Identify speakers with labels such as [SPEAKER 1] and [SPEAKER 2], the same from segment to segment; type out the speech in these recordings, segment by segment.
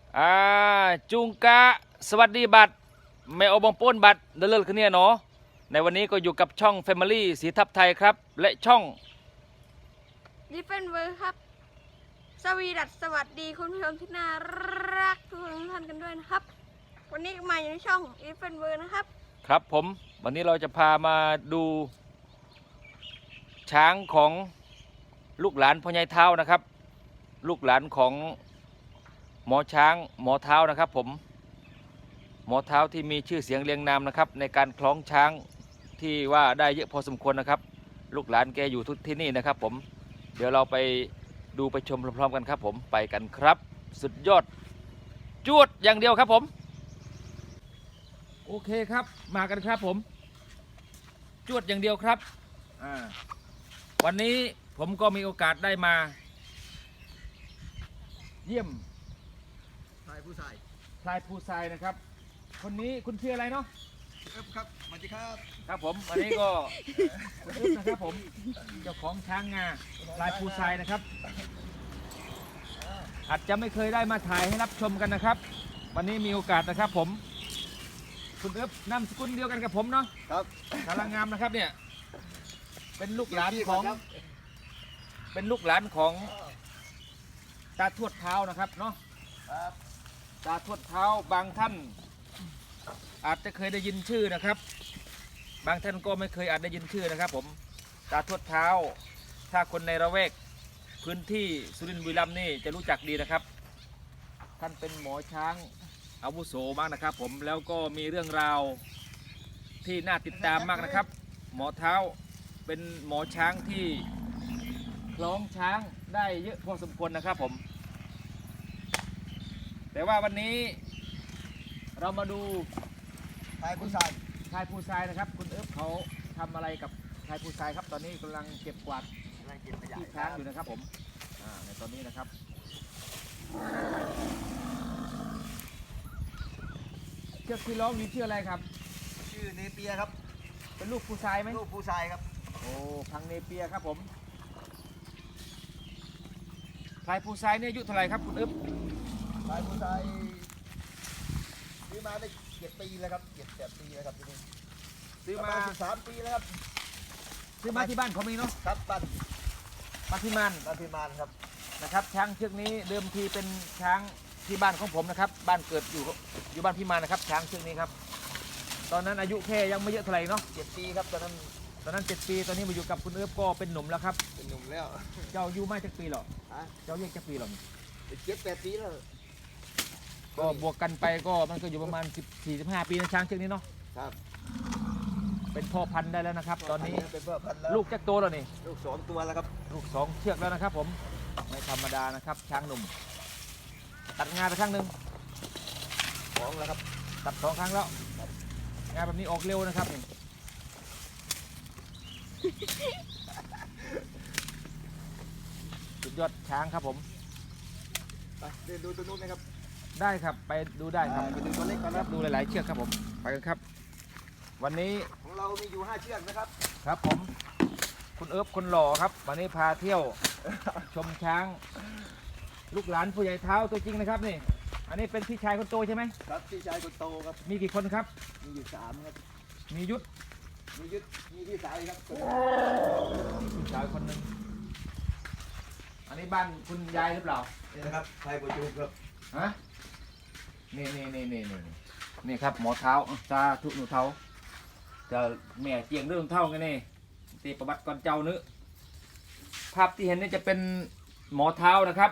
[SPEAKER 1] อ่าจุงกะสวัสดีบัตรแมวบองป้นบัตรเดลเลอร์คืนนี้เนาะในวันนี้ก็อยู่กับช่อง Family สีทับไทยครับและช่อง
[SPEAKER 2] ดิฟเฟนเวอร์ครับสวัสดีคุณผู้ชมที่น่ารักทุกท่านกันด้วยนะครับวันนี้มาอยู่ในช่องดิฟเฟนเวอร์นะครับ
[SPEAKER 1] ครับผมวันนี้เราจะพามาดูช้างของลูกหลานพ่อใหญ่เท้านะครับลูกหลานของหมอช้างหมอเท้านะครับผมหมอเท้าที่มีชื่อเสียงเรียงนามนะครับในการคล้องช้างที่ว่าได้เยอะพอสมควรนะครับลูกหลานแกอยู่ทุกที่นี่นะครับผมเดี๋ยวเราไปดูไปชมพร้อมๆกันครับผมไปกันครับสุดยอดจวดอย่างเดียวครับผมโอเคครับมากันครับผมจวดอย่างเดียวครับวันนี้ผมก็มีโอกาสได้มาเยี่ยม
[SPEAKER 3] ชายผู้ชาย
[SPEAKER 1] พลายภูทรายนะครับคนนี้คุณชื่ออะไรเนาะ
[SPEAKER 3] ครับสวัสดีครับ
[SPEAKER 1] ครับผมวันนี้ก็คุณอึ๊บนะครับผมเจ้าของช้างงาพลายภูทรายนะครับอาจจะไม่เคยได้มาถ่ายให้รับชมกันนะครับวันนี้มีโอกาสนะครับผมคุณอึ๊บนามสกุลเดียวกันกับผมเนาะ
[SPEAKER 3] ครับ
[SPEAKER 1] กำลังงามนะครับเนี่ยเป็นลูกหลานของตาทวดเท้านะครับเนาะตาทวดเท้าบางท่านอาจจะเคยได้ยินชื่อนะครับบางท่านก็ไม่เคยอาจได้ยินชื่อนะครับผมตาทวดเท้าถ้าคนในระแวกพื้นที่สุรินทร์บุรีรัมย์นี่จะรู้จักดีนะครับท่านเป็นหมอช้างอาวุโสมากนะครับผมแล้วก็มีเรื่องราวที่น่าติดตามมากนะครับหมอเท้าเป็นหมอช้างที่คล้องช้างได้เยอะพอสมควรนะครับผมแต่ว่าวันนี้เรามาดู
[SPEAKER 3] ชายผู้ชาย
[SPEAKER 1] ชายภูทรายนะครับคุณเอิบเขาทำอะไรกับชายภูทรายครับตอนนี้กำลังเก็บกวาด
[SPEAKER 3] อะไรกินขยะ
[SPEAKER 1] ที่ช้างอยู่นะครับผมในตอนนี้นะครับเชือกที่ร้องนี้ชื่ออะไรครับ
[SPEAKER 3] ชื่อเนเปียครับ
[SPEAKER 1] เป็นลูกภูทรายไหม
[SPEAKER 3] ลูกผู้ชายครับ
[SPEAKER 1] โอ้พังเนเปียครับผมชายภูทรายเนี่ยอายุเท่าไหร่ครับคุณเอิบ
[SPEAKER 3] ชายผู้ชายซื้อมาได้7 ปีแล้วครับ7-8 ปีแล้วครับที่นี่
[SPEAKER 1] ซื้อมา
[SPEAKER 3] 13 ปีแล้วครับ
[SPEAKER 1] ซื้อมาที่บ้านเขามีเนาะ
[SPEAKER 3] ครับบ้าน
[SPEAKER 1] พิมาน
[SPEAKER 3] ครับ
[SPEAKER 1] นะครับช้างเชือกนี้เดิมทีเป็นช้างที่บ้านของผมนะครับบ้านเกิดอยู่บ้านพิมานนะครับช้างเชือกนี้ครับตอนนั้นอายุแค่ยังไม่เยอะเท่าไหร่เนาะ
[SPEAKER 3] 7 ปีครับตอนนั้น
[SPEAKER 1] 7 ปีตอนนี้มาอยู่กับคุณเอิบก็เป็นหนุ่มแล้วครับ
[SPEAKER 3] เป็นหนุ่มแล้ว
[SPEAKER 1] เจ้าอายุไม่จักปีหรอเจ้าเรียกจักปีหรอ
[SPEAKER 3] 7-8 ปีแล้ว
[SPEAKER 1] ก็บวกกันไปก็มันก็อยู่ประมาณ14-15 ปีนะช้างเชือกนี้เนาะ
[SPEAKER 3] ครับ
[SPEAKER 1] เป็นพ่อพันธุ์ได้แล้วนะครับตอนนี้
[SPEAKER 3] เป็นพ่อพันธุ์แล้ว
[SPEAKER 1] ลูกจักโตแล้วนี่
[SPEAKER 3] ลูก2 ตัวแล้วครับ
[SPEAKER 1] ลูก2 เชือกแล้วนะครับผมไม่ธรรมดานะครับช้างหนุ่มตัดงานไปครั้งหนึ่ง
[SPEAKER 3] 2แล้วครับ
[SPEAKER 1] ตัด2 ครั้งแล้วงานแบบนี้ออกเร็วนะครับสุดยอดช้างครับผม
[SPEAKER 3] ไปเดินดูตัวนู้นนะครับ
[SPEAKER 1] ได้ครับไปดูได้ครับ
[SPEAKER 3] ไปดูตัวเล็กก่อนครับ
[SPEAKER 1] ดูหลายๆเชือกครับผมไปกันครับวันนี้
[SPEAKER 3] ของเรามีอยู่5 เชือกนะครับ
[SPEAKER 1] ครับผมคุณเอิบคนหล่อครับวันนี้พาเที่ยวชมช้างลูกหลานผู้ใหญ่เท้าตัวจริงนะครับนี่อันนี้เป็นพี่ชายคนโตใช่ไหม
[SPEAKER 3] ครับพี่ชายคนโตครับ
[SPEAKER 1] มีกี่คนครับ
[SPEAKER 3] มีอยู่3ครับ
[SPEAKER 1] มียุทธ
[SPEAKER 3] มีพี่สายครับ
[SPEAKER 1] พี่ชายคนหนึ่งอันนี้บ้านคุณยายหรือเปล่า
[SPEAKER 3] นี่นะครับชายประจุครับ
[SPEAKER 1] ฮะนี่ครับหมอเท้าซาทุหนูเท้าจะแม่เจียงเรื่องเท่ากันนี่ตีประวัติก่อนเจ้านึกภาพที่เห็นนี่จะเป็นหมอเท้านะครับ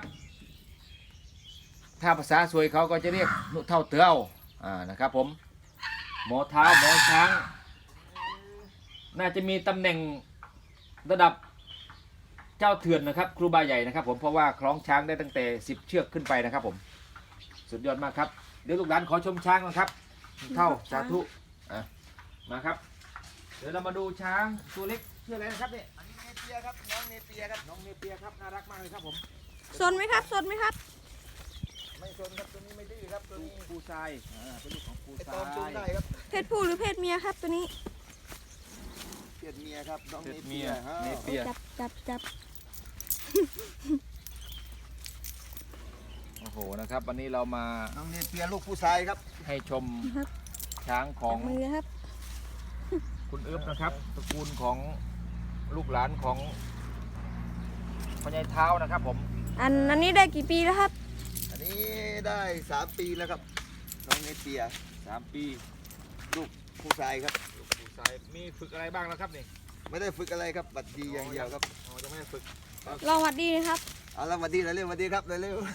[SPEAKER 1] ถ้าภาษาสวยเขาก็จะเรียกหนูเท่าเตือนะครับผมหมอเท้าหมอช้างน่าจะมีตำแหน่งระดับเจ้าเถื่อนนะครับครูบาใหญ่นะครับผมเพราะว่าคล้องช้างได้ตั้งแต่10 เชือกขึ้นไปนะครับผมสุดยอดมากครับเดี๋ยวลูกหลานขอชมช้างนะครับเท่าสาธุมาครับเดี๋ยวเรามาดูช้างตัวเล็กชื่ออะไรนะครับเนี่ย
[SPEAKER 3] อันนี้เนเปียครับน้องเนเปียครับ
[SPEAKER 1] น้องเนเปียครับน่ารักมากเลยครับผม
[SPEAKER 2] สนไหมครับ
[SPEAKER 3] ไม่สนครับตัวนี้ไม่ดื้อครับตัวนี้
[SPEAKER 1] ภูทรายเป็นลูกของภูทราย
[SPEAKER 3] ตอมจูงได้ครับ
[SPEAKER 2] เพศผู้หรือเพศเมียครับตัวนี้
[SPEAKER 3] เพศเมียครับน้องเนเปีย
[SPEAKER 2] จับ
[SPEAKER 1] โอ้โหโหนะครับ วันนี้เรามา
[SPEAKER 3] น้องเนเปียลูกผู้ชายครับ
[SPEAKER 1] ให้ชมช้างของ
[SPEAKER 2] มือครับ
[SPEAKER 1] คุณเอิบนะครับตระกูลของลูกหลานของพ่อใหญ่เท้านะครับผม
[SPEAKER 2] อันนี้ได้กี่ปีแล้วครับ
[SPEAKER 3] อันนี้ได้3 ปีแล้วครับน้องเนเปีย
[SPEAKER 1] 3 ปี
[SPEAKER 3] ลูกผู้ชายครับ
[SPEAKER 1] ลูกผู้ชายมีฝึกอะไรบ้างแล้วครับนี่
[SPEAKER 3] ไม่ได้ฝึกอะไรครับบัดดีอย่างเดียวครับ
[SPEAKER 1] อ๋อจะไม่ได้ฝึก
[SPEAKER 2] ลองวัดดีนะครับ
[SPEAKER 3] เอาละบัดดีเร็วๆบัดดีครับเร็ว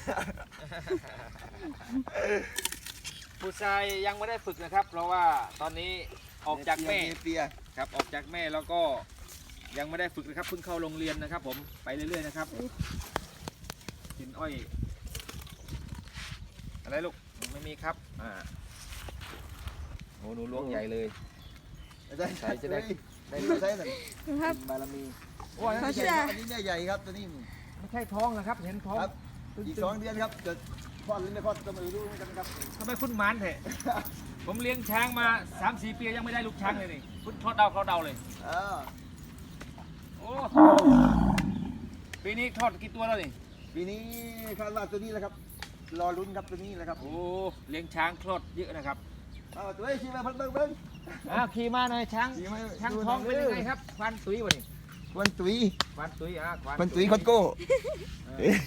[SPEAKER 1] ผู้ชายยังไม่ได้ฝึกนะครับ เพราะว่าตอนนี้
[SPEAKER 3] ๆ
[SPEAKER 1] ออกจากแม่
[SPEAKER 3] เนเปีย
[SPEAKER 1] ครับออกจากแม่แล้วก็ยังไม่ได้ฝึกนะครับเพิ่งเข้าโรงเรียนนะครับ ผมไปเรื่อยๆนะครับกินอ้อยอะไรลูกไม่มีครับโอ้หนูล้วงใหญ่เลย
[SPEAKER 3] ได้
[SPEAKER 1] ใส่จะได้
[SPEAKER 3] ได้ใช่หน่อย
[SPEAKER 2] ครับ
[SPEAKER 1] บารมีโอ้ย
[SPEAKER 2] เขา
[SPEAKER 3] อัน
[SPEAKER 2] เชื่
[SPEAKER 3] นี้
[SPEAKER 2] อ
[SPEAKER 3] อันนี้ใหญ่ครับตัวนี้
[SPEAKER 1] ไม่ใช่ท้องนะครับเห็นท้อง
[SPEAKER 3] ครับอีก2 เดือนครับจะคลอดหรือไม่คลอดก็ไม่รู้เหมือนกันครับ
[SPEAKER 1] ทำไมคุณหมานเถอะ ผมเลี้ยงช้างมา 3-4 ปียังไม่ได้ลูกช้างเลยนี่คุณทอดเดาเขาเดาเลย โอ้ปีนี้ทอดกี่ตัวแล้วนี่
[SPEAKER 3] ปีนี้คาดว่าตัวนี้แหละครับ รอลุ้นครับตัวนี้แหละครับ
[SPEAKER 1] โอ้เลี้ยงช้างคลอดเยอะนะครับ
[SPEAKER 3] เอาตัวนี้ชี้มาเบิ้ง
[SPEAKER 1] ขี่มาหน่อยช้าง
[SPEAKER 3] ขี่มา
[SPEAKER 1] ช้าง
[SPEAKER 3] ดู
[SPEAKER 1] ท้อง
[SPEAKER 3] หน่
[SPEAKER 1] เป็
[SPEAKER 3] อน ย
[SPEAKER 1] ยังไงครับควันตุ้ยวะนี่
[SPEAKER 3] ควันตุย
[SPEAKER 1] ควันตุ้ยควัน
[SPEAKER 3] ควันตุยคอนโก้
[SPEAKER 1] เออ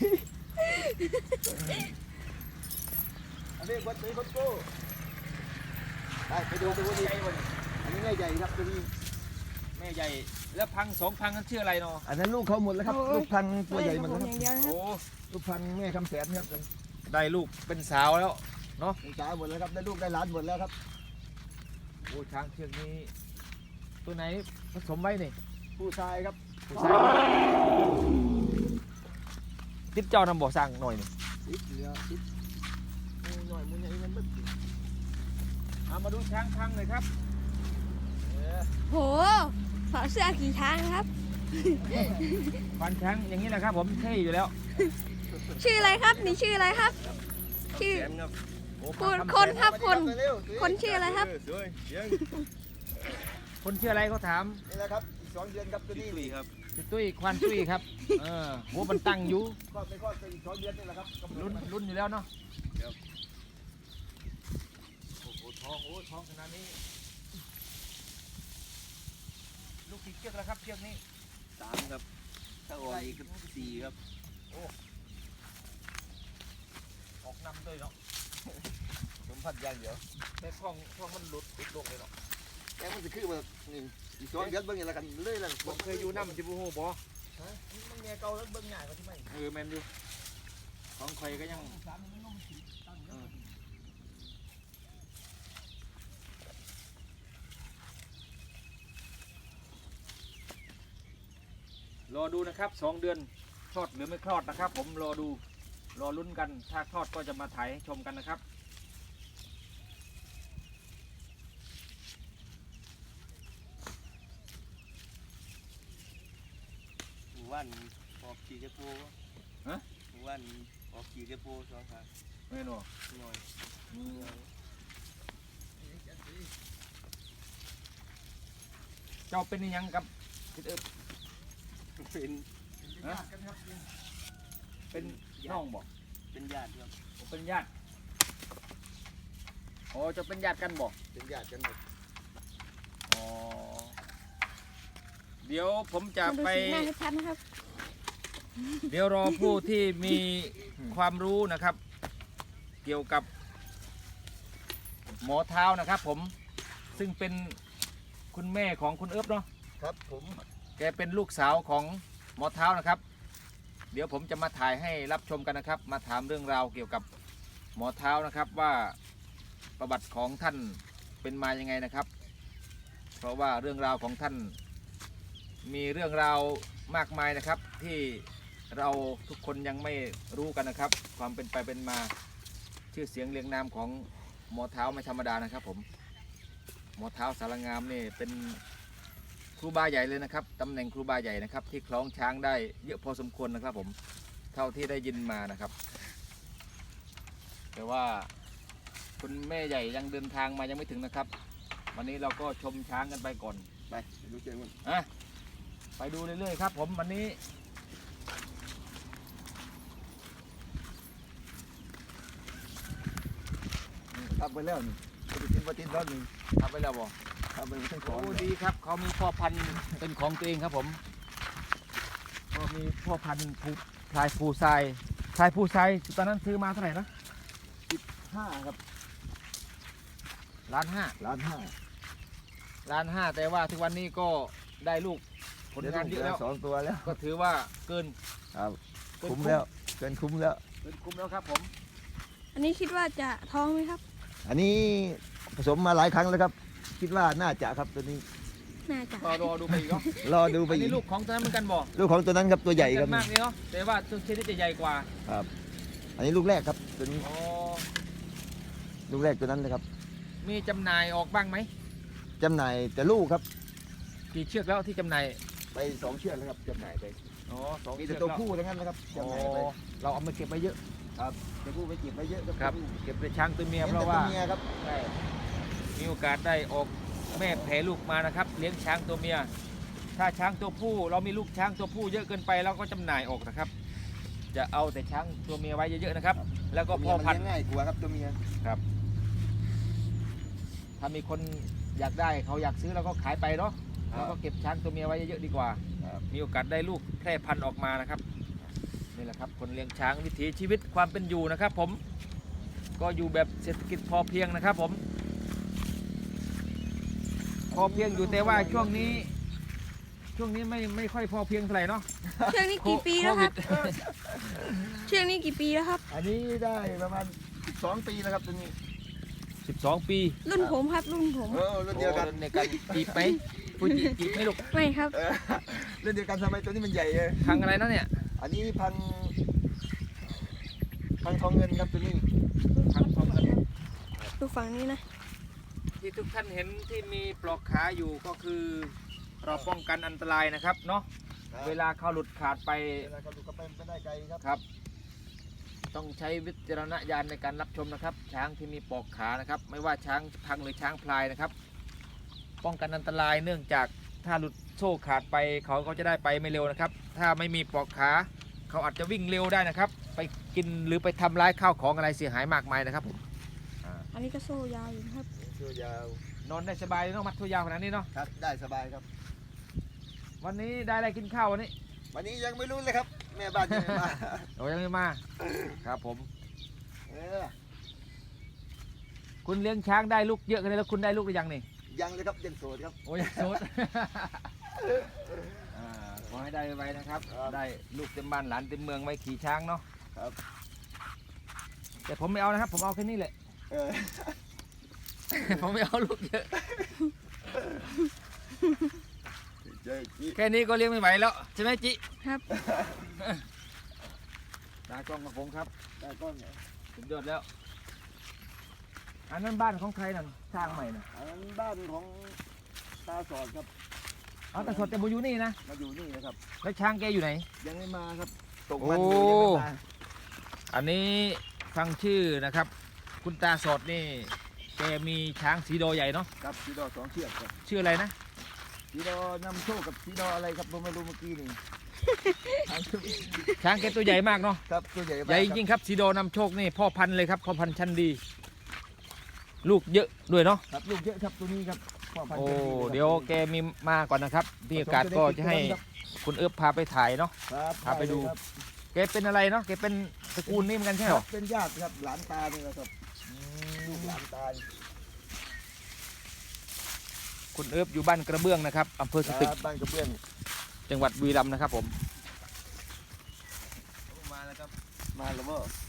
[SPEAKER 3] อันนี้ควันตุยคอนโก้ไปดูตัวนี้
[SPEAKER 1] ใหญ่วะนี่
[SPEAKER 3] อันนี้แม่ใหญ่ครับตัวนี้
[SPEAKER 1] แม่ใหญ่แล้วพัง2 พังนั้นชื่ออะไรเนาะ
[SPEAKER 3] อันนั้นลูกเขาหมดแล้วครับ
[SPEAKER 2] โอ้ย
[SPEAKER 3] ลูกพันธุ์ตัวใหญ่หมด
[SPEAKER 2] ผ
[SPEAKER 3] แล้ว
[SPEAKER 2] ม
[SPEAKER 3] ครับ
[SPEAKER 2] อย่างเดียวนะครับ
[SPEAKER 1] โอ้
[SPEAKER 3] ลูกพันธุ์แม่คำแสนครับ
[SPEAKER 1] ได้ลูกเป็นสาวแล้วเนาะ
[SPEAKER 3] เป็นสาวหมดแล้วครับได้ลูกได้หลานหมดแล้วครับ
[SPEAKER 1] โอ้ช้างเชือกนี้ตัวไหนผสมไว้นี่
[SPEAKER 3] ผู้ชายครับ
[SPEAKER 1] ผู้ชายติดเจ้านำบ่อสั่งหน่อยนี่
[SPEAKER 3] ติดเหลือติดหน่อยมันใหญ่มันบึ้ง
[SPEAKER 1] เอามาดูช้างพังเลยครับ
[SPEAKER 2] โหถอดเสื้อกี่ครั้งครับ
[SPEAKER 1] ฟันช้างอย่างนี้แหละครับผมเท่อยู่แล้ว
[SPEAKER 2] ชื่ออะไรครับ นี่ชื่ออะไรครับ ชื่อ
[SPEAKER 3] แสนครับ
[SPEAKER 1] โอ้
[SPEAKER 2] คุณ
[SPEAKER 1] พัง
[SPEAKER 2] คนครับคน
[SPEAKER 3] เร็วๆ
[SPEAKER 2] คนชื่ออะไรครับ
[SPEAKER 3] สวยเสียง
[SPEAKER 1] คนชื่ออะไรเขาถาม
[SPEAKER 3] นี่แหละครับอีก2 เดือนครับตัวนี้นี่ครับ
[SPEAKER 1] ชื่อตุ้ยควันตุ้ยครับหัวมันตั้งอยู่
[SPEAKER 3] คลอดไปคลอดไปอีก2 เดือนนี่แหละครับกำหด
[SPEAKER 1] ลุ้นอยู่แล้วเนาะโอ้โหท้องขนาดนี้ลูกกี่เชือกแล้วครับเชือกนี้
[SPEAKER 3] 3ครับถ้าออกอีกก็4ครับ
[SPEAKER 1] ออกนำด้วยเนาะ
[SPEAKER 3] ผมพัดอย่างเดียว
[SPEAKER 1] แต่ท้องมันหลุดลงเลยเนาะ
[SPEAKER 3] แกมันจะคือแบบนี่อีก2 เดือนเบิ่งอย่างละกันเลยล่ะ
[SPEAKER 1] ผมเคยอยู่น้ำจิบูโฮบอ
[SPEAKER 3] ฮะมันแง่เก่าแล้วเบิ่งง่ายกว่าที่ไม่
[SPEAKER 1] แมนอยู่ของใครก็ยังรอดูนะครับ2 เดือนคลอดหรือไม่คลอดนะครับ ผมรอดูรอลุ้นกันถ้าคลอดก็จะมาถ่ายให้ชมกันนะครับ
[SPEAKER 3] หมู่บ้านออกขี่กระโปง
[SPEAKER 1] ฮะ
[SPEAKER 3] หมู่บ้านออกขี่กระโปง2 ครั้ง
[SPEAKER 1] ไม่หนอ
[SPEAKER 3] หน่อย
[SPEAKER 1] เจ้าเป็นอิหยังกับทิดเอิบ
[SPEAKER 3] เป็น
[SPEAKER 1] ฮะเป็นน้องบอก
[SPEAKER 3] เป็นญาติครับ
[SPEAKER 1] เป็นญาติอ๋อจะเป็นญาติกันบอก
[SPEAKER 3] เป็นญาติกันหมด
[SPEAKER 1] อ๋อเดี๋ยวผมจะ
[SPEAKER 2] มาดู
[SPEAKER 1] ไป
[SPEAKER 2] สีหน้าให้ชัดนะครับ
[SPEAKER 1] เดี๋ยวรอผู้ที่มีความรู้นะครับ เกี่ยวกับหมอเท้านะครับ ผมซึ่งเป็นคุณแม่ของคุณเอิบเนาะ
[SPEAKER 3] ครับผม
[SPEAKER 1] แกเป็นลูกสาวของหมอเท้านะครับ เดี๋ยวผมจะมาถ่ายให้รับชมกันนะครับ มาถามเรื่องราวเกี่ยวกับหมอเท้านะครับว่าประวัติของท่านเป็นมายังไงนะครับ เพราะว่าเรื่องราวของท่านมีเรื่องราวมากมายนะครับ ที่เราทุกคนยังไม่รู้กันนะครับ ความเป็นไปเป็นมาชื่อเสียงเรียงนามของหมอเท้าไม่ธรรมดานะครับ ผมหมอเท้าสารงามนี่เป็นครูบาใหญ่เลยนะครับตำแหน่งครูบาใหญ่นะครับ ที่คล้องช้างได้เยอะพอสมควรนะครับ ผมเท่าที่ได้ยินมานะครับ แต่ว่าคุณแม่ใหญ่ยังเดินทางมายังไม่ถึงนะครับ วันนี้เราก็ชมช้างกันไปก่อน
[SPEAKER 3] ไปดูเจอมัน
[SPEAKER 1] ไปดูเรื่อยๆครับ ผมวันนี้
[SPEAKER 3] ทำไปแล้วนี่ปฏิทินแล้วนี่
[SPEAKER 1] ทำไปแล้วบ่
[SPEAKER 3] ทำไปทั้งส
[SPEAKER 1] โอ้
[SPEAKER 3] อง
[SPEAKER 1] ดีครับเขามีพ่อพันธุ์เป็นของตัวเองครับผมก็มีพ่อพันธุ์พลายภูทรายตอนนั้นซื้อมาเท่าไหร่นะ
[SPEAKER 3] 5ครับ
[SPEAKER 1] ล้านห้า
[SPEAKER 3] ล้านห้า
[SPEAKER 1] ล้านห้าแต่ว่าทุกวันนี้ก็ได้ลูกผลงานเยอะแล้ว
[SPEAKER 3] สองตัวแล้ว
[SPEAKER 1] ก็ถือว่าเกิน
[SPEAKER 3] ครับ
[SPEAKER 1] เกิน
[SPEAKER 3] คุ้มแล้วเกินคุ้มแล้ว
[SPEAKER 1] เกินคุ้มแล้วครับผม
[SPEAKER 2] อันนี้คิดว่าจะท้องไหมครับ
[SPEAKER 3] อันนี้ผสมมาหลายครั้งแล้วครับ คิดว่าน่าจะครับตัวนี้
[SPEAKER 2] น่าจะ
[SPEAKER 1] ก็รอดูไปอีกเนาะ
[SPEAKER 3] รอดูไป
[SPEAKER 1] อัน
[SPEAKER 3] อี
[SPEAKER 1] นี้
[SPEAKER 3] ก
[SPEAKER 1] ลูกของตัวนั้นเหมือนกันบ่
[SPEAKER 3] ลูกของตัวนั้นครับตัวใหญ่ครับ
[SPEAKER 1] มากเลยเนาะแต่ว่าตัวเชนิดจะใหญ่กว่า
[SPEAKER 3] ครับ อันนี้ลูกแรกครับตัวนี้
[SPEAKER 1] อ๋อ
[SPEAKER 3] ลูกแรกตัวนั้นเลยครับ
[SPEAKER 1] มีจำหน่ายออกบ้างไหม
[SPEAKER 3] จำหน่ายแต่ลูกครับ
[SPEAKER 1] กี่เชือกแล้วที่จำหน่าย
[SPEAKER 3] ไป2 เชือกแล้วครับจำหน่ายไป
[SPEAKER 1] อ๋อสอง
[SPEAKER 3] มี
[SPEAKER 1] เชื
[SPEAKER 3] แต่
[SPEAKER 1] อก
[SPEAKER 3] ตัว
[SPEAKER 1] แล้ว
[SPEAKER 3] ผู้ทั้งนั้นนะครับ
[SPEAKER 1] อ๋อ
[SPEAKER 3] จำหน่ายไป
[SPEAKER 1] เราเอามาเก็บไว้เยอะ
[SPEAKER 3] ตัวผู้ไปเก็บไว้เยอะ
[SPEAKER 1] ครับ เก็บเป็นช้างตัวเมีย
[SPEAKER 3] เมีย
[SPEAKER 1] เพ
[SPEAKER 3] เพราะ
[SPEAKER 1] ราะ
[SPEAKER 3] ว่า
[SPEAKER 1] ว่า
[SPEAKER 3] เมียครับ
[SPEAKER 1] ได้มีโอกาสได้ออกแม่แผลลูกมานะครับ เลี้ยงช้างตัวเมีย ถ้าช้างตัวผู้เรามีลูกช้างตัวผู้เยอะเกินไปเราก็จำหน่ายออกนะครับ จะเอาแต่ช้างตัวเมียไว้เยอะๆนะครับ แล้วก็พ่อพันธุ์
[SPEAKER 3] เลี้ยงง่ายกว่าครับตัวเมีย
[SPEAKER 1] ถ้ามีคนอยากได้เขาอยากซื้อเราก็ขายไปเนาะ
[SPEAKER 3] ครับ
[SPEAKER 1] เราก็เก็บช้างตัวเมียไว้เยอะๆดีกว่า
[SPEAKER 3] ครับ
[SPEAKER 1] มีโอกาสได้ลูกแพร่พันธุ์ออกมานะครับนี่แหละครับคนเลี้ยงช้างวิถีชีวิตความเป็นอยู่นะครับ ผมก็อยู่แบบเศรษฐกิจพอเพียงนะครับผมพอเพียงอยู่แต่ว่าช่วงนี้ไม่ค่อยพอเพียงเท่าไหร่เนาะ
[SPEAKER 2] เชือกนี้กี่ปีแล้วครับ
[SPEAKER 1] โวิด
[SPEAKER 2] เชือกนี้กี่ปีแล้วครับ
[SPEAKER 3] อันนี้ได้ประมาณ12 ปีแล้วครับตัวนี้
[SPEAKER 1] 12 ปี
[SPEAKER 2] รุ่นผมครับรุ่นผม
[SPEAKER 3] รุ่นเดียวกัน
[SPEAKER 1] โอ้ในการจีบไหมผู้จีบไหมลูก
[SPEAKER 2] ไม่ครับ
[SPEAKER 3] รุ่นเดียวกันทำไมตัวนี้มันใหญ่เลย
[SPEAKER 1] พังอะไรนะเนี่ย
[SPEAKER 3] อันนี้พันทองเงินครับตัวนี้
[SPEAKER 1] พังทองกัน
[SPEAKER 2] ดูฝั่งนี้นะ
[SPEAKER 1] ที่ทุกท่านเห็นที่มีปลอกขาอยู่ก็คือเราป้องกันอันตรายนะครับเนาะเวลาเขาหลุดขาดไป
[SPEAKER 3] เวลาเขาดูกระเป็นไปได้ไกลครับ
[SPEAKER 1] ครับ ต้องใช้วิจารณญาณในการรับชมนะครับ ช้างที่มีปลอกขานะครับ ไม่ว่าช้างพังหรือช้างพลายนะครับ ป้องกันอันตรายเนื่องจากถ้าหลุดโซ่ขาดไปเขาก็จะได้ไปไม่เร็วนะครับ ถ้าไม่มีปลอกขาเขาอาจจะวิ่งเร็วได้นะครับ ไปกินหรือไปทำร้ายข้าวของอะไรเสียหายมากมายนะครับผม
[SPEAKER 2] อันนี้ก็โซ่ยาวอยู่นะครับ
[SPEAKER 3] ตัวยาวน
[SPEAKER 1] อนได้สบายเลยเนาะมัดตัวยาวขนาดนี้เนาะ
[SPEAKER 3] ครับได้สบายครับ
[SPEAKER 1] วันนี้ได้อะไรกินข้าววันนี้
[SPEAKER 3] วันนี้ยังไม่รู้เลยครับ แม่บ้านยังไม่มา
[SPEAKER 1] เรายังไม่มาครับผม
[SPEAKER 3] เออ
[SPEAKER 1] คุณเลี้ยงช้างได้ลูกเยอะกันเลยแล้วคุณได้ลูกหรือยังนี่
[SPEAKER 3] ยังเลยครับยังโสดครับ
[SPEAKER 1] โอ้ยโซด ขอให้ได้ไวๆนะครับ
[SPEAKER 3] ครับ
[SPEAKER 1] ได้ลูกเต็มบ้านหลานเต็มเมืองไว้ขี่ช้างเนาะ
[SPEAKER 3] ครับ
[SPEAKER 1] แต่ผมไม่เอานะครับ ผมเอาแค่นี้แหละ
[SPEAKER 3] เออ
[SPEAKER 1] ผมไม่เอาลูกเยอะ
[SPEAKER 3] เจ๊กี้
[SPEAKER 1] แค่นี้ก็เลี้ยงไม่ไหวแล้วใช่ไหมจิ
[SPEAKER 2] ครับ
[SPEAKER 1] ตากล้องกับผมครับ
[SPEAKER 3] ได้ก้อนเหรอ
[SPEAKER 1] สุดยอดแล้ว อันนั้นบ้านของใครนั่นสร้างใหม่นะ
[SPEAKER 3] อันนั้นบ้านของตาสอดครับ
[SPEAKER 1] เอาแต่สดแต่บูอยู่นี่นะ
[SPEAKER 3] มาอยู่นี่นะครับ
[SPEAKER 1] แล้วช้างแกอยู่ไหน
[SPEAKER 3] ยังไม่มาครับตก
[SPEAKER 1] โอ้
[SPEAKER 3] มันอยู่ยังไม่มา
[SPEAKER 1] อันนี้ฟังชื่อนะครับ คุณตาสดนี่แกมีช้างสีโดใหญ่เนาะ
[SPEAKER 3] ครับสีดอ2 เชือกครับ
[SPEAKER 1] ชื่ออะไรนะ
[SPEAKER 3] สีดอนำโชคกับสีดออะไรครับผมไม่รู้เมื่อกี้นี่
[SPEAKER 1] ช้างแกตัวใหญ่มากเนาะ
[SPEAKER 3] ครับตัวใหญ่มาก
[SPEAKER 1] ใหญ่จริงๆครับสีโดนำโชคนี่พ่อพันธุ์เลยครับพ่อพันธุ์ชั้นดี ลูกเยอะด้วยเนาะ
[SPEAKER 3] ครับลูกเยอะครับตัวนี้ครับพ่พันธุ์
[SPEAKER 1] โอ้
[SPEAKER 3] ชนครับ
[SPEAKER 1] เดี๋ยวแกมีมาก่อนนะครับมีโอกาสก็จะให้คุณเอิบพาไปถ่ายเนาะ
[SPEAKER 3] ครับ
[SPEAKER 1] พาไปดู
[SPEAKER 3] เลยครับ
[SPEAKER 1] แกเป็นอะไรเนาะแกเป็นตระกูลนี่เหมือนกันใช่ไหม
[SPEAKER 3] เป็นญาติครับหลานตานี่แหละครับลูกหลานตา
[SPEAKER 1] คุณเอิบอยู่บ้านกระเบื้องนะครับอำเภอสตึก
[SPEAKER 3] ครับบ้านกระเบื้อง
[SPEAKER 1] จังหวัดบุรีรัมย์นะครับผม
[SPEAKER 3] มาแล้วครับมาแล้วบ่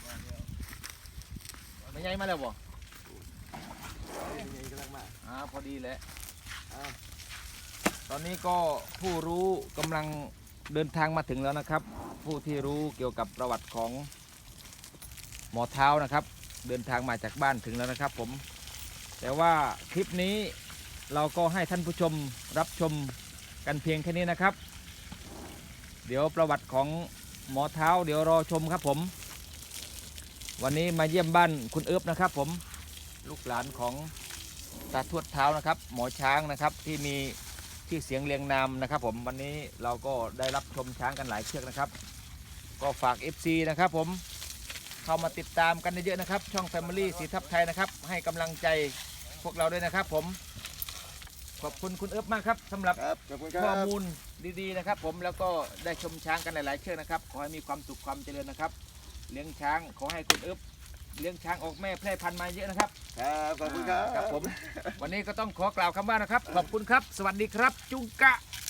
[SPEAKER 1] ไม่ใหญ่มาแล้วบ่
[SPEAKER 3] ยังไงกำลังมา
[SPEAKER 1] พอดีแหละ
[SPEAKER 3] อ่า
[SPEAKER 1] ตอนนี้ก็ผู้รู้กำลังเดินทางมาถึงแล้วนะครับ ผู้ที่รู้เกี่ยวกับประวัติของหมอเท้านะครับ เดินทางมาจากบ้านถึงแล้วนะครับผมแต่ว่าคลิปนี้เราก็ให้ท่านผู้ชมรับชมกันเพียงแค่นี้นะครับ เดี๋ยวประวัติของหมอเท้าเดี๋ยวรอชมครับผม วันนี้มาเยี่ยมบ้านคุณเอิบนะครับผมลูกหลานของตาทวดเท้านะครับ หมอช้างนะครับที่มีชื่อเสียงเรียงนามนะครับผมวันนี้เราก็ได้รับชมช้างกันหลายเชือกนะครับ ก็ฝาก FC นะครับผมเข้ามาติดตามกันเยอะๆนะครับ ช่อง Family สีทับไทยนะครับ ให้กำลังใจพวกเราด้วยนะครับผมขอบคุณคุณเอิบมากครับสำหรับ
[SPEAKER 3] ครับขอบคุณค
[SPEAKER 1] ข้อ
[SPEAKER 3] รับ
[SPEAKER 1] มูลดีๆนะครับผมแล้วก็ได้ชมช้างกันหลายๆเชือกนะครับขอให้มีความสุขความเจริญนะครับเลี้ยงช้างขอให้คุณเอิบเลี้ยงช้างออกแม่แพร่พันธุ์มาเยอะนะครับ
[SPEAKER 3] ครับขอบคุณครับ
[SPEAKER 1] ครับผมวันนี้ก็ต้องขอกล่าวคำว่านะครับ ขอบคุณครับ สวัสดีครับ จุงกะ